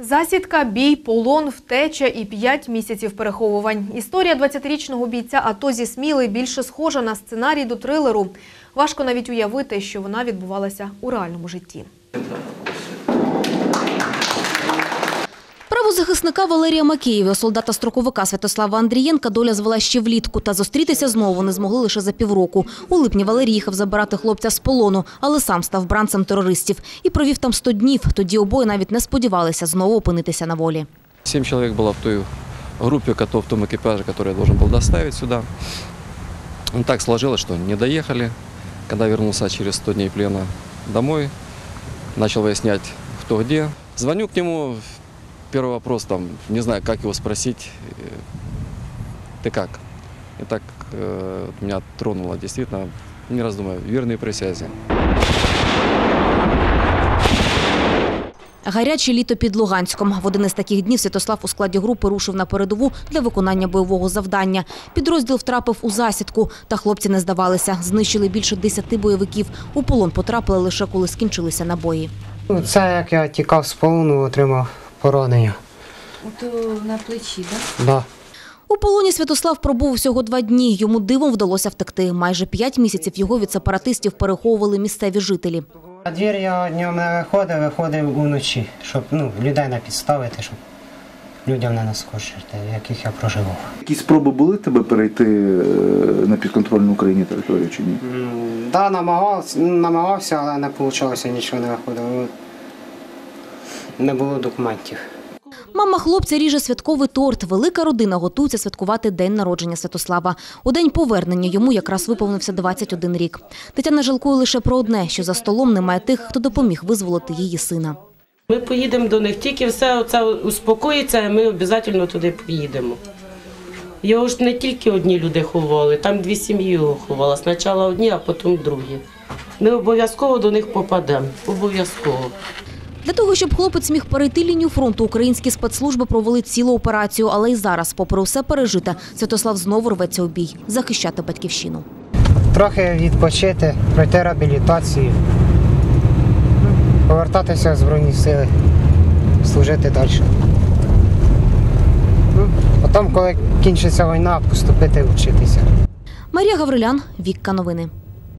Засідка, бій, полон, втеча і 5 місяців переховувань. Історія 20-річного бійця АТО зі Сміли більше схожа на сценарій до трилеру. Важко навіть уявити, що вона відбувалася у реальному житті. Правозахисника Валерія Макеєва, солдата-строковика Святослава Андрієнка доля звела ще влітку, та зустрітися знову вони змогли лише за півроку. У липні Валерій їхав забирати хлопця з полону, але сам став бранцем терористів і провів там 100 днів. Тоді обоє навіть не сподівалися знову опинитися на волі. 7 чоловік було в той групі, в тому екіпажі, який я должен був доставити сюди. Так сложилось, що не доїхали. Коли вернувся через 100 днів плена домой, почав виясняти, хто де. Дзвоню к нему. Первый вопрос, не знаю, как его спросить, ты как? И так меня тронуло, действительно, не раздумывая, верные присязі. Гаряче літо під Луганськом. В один із таких днів Святослав у складі групи рушив на передову для виконання бойового завдання. Підрозділ втрапив у засідку, та хлопці не здавалися. Знищили більше 10 бойовиків. У полон потрапили лише коли скінчилися набої. Це як я тікав з полону, отримав поранення. Ото на плечі, так? Да. У полоні Святослав пробув всього 2 дні. Йому дивом вдалося втекти. Майже 5 місяців його від сепаратистів переховували місцеві жителі. На двір я днем не виходив уночі, щоб людей не підставити, щоб людям не наскочити, в яких я проживав. Які спроби були тебе перейти на підконтрольну Україні територію чи ні? Так, намагався, але не вийшло, нічого не виходило. Не було документів. Мама хлопця ріже святковий торт. Велика родина готується святкувати день народження Святослава. У день повернення йому якраз виповнився 21 рік. Тетяна жалкує лише про одне, що за столом немає тих, хто допоміг визволити її сина. Ми поїдемо до них, тільки все це успокоїться, ми обов'язково туди поїдемо. Його ж не тільки одні люди ховали, там 2 сім'ї його ховали. Спочатку одні, а потім другі. Ми обов'язково до них попадемо, обов'язково. Для того, щоб хлопець міг перейти лінію фронту, українські спецслужби провели цілу операцію. Але й зараз, попри все пережите, Святослав знову рветься у бій – захищати батьківщину. Трохи відпочити, пройти реабілітацію, повертатися в Збройні Сили, служити далі. Потім, коли кінчиться війна, поступити вчитися. Марія Гаврилян, Вікка Новини.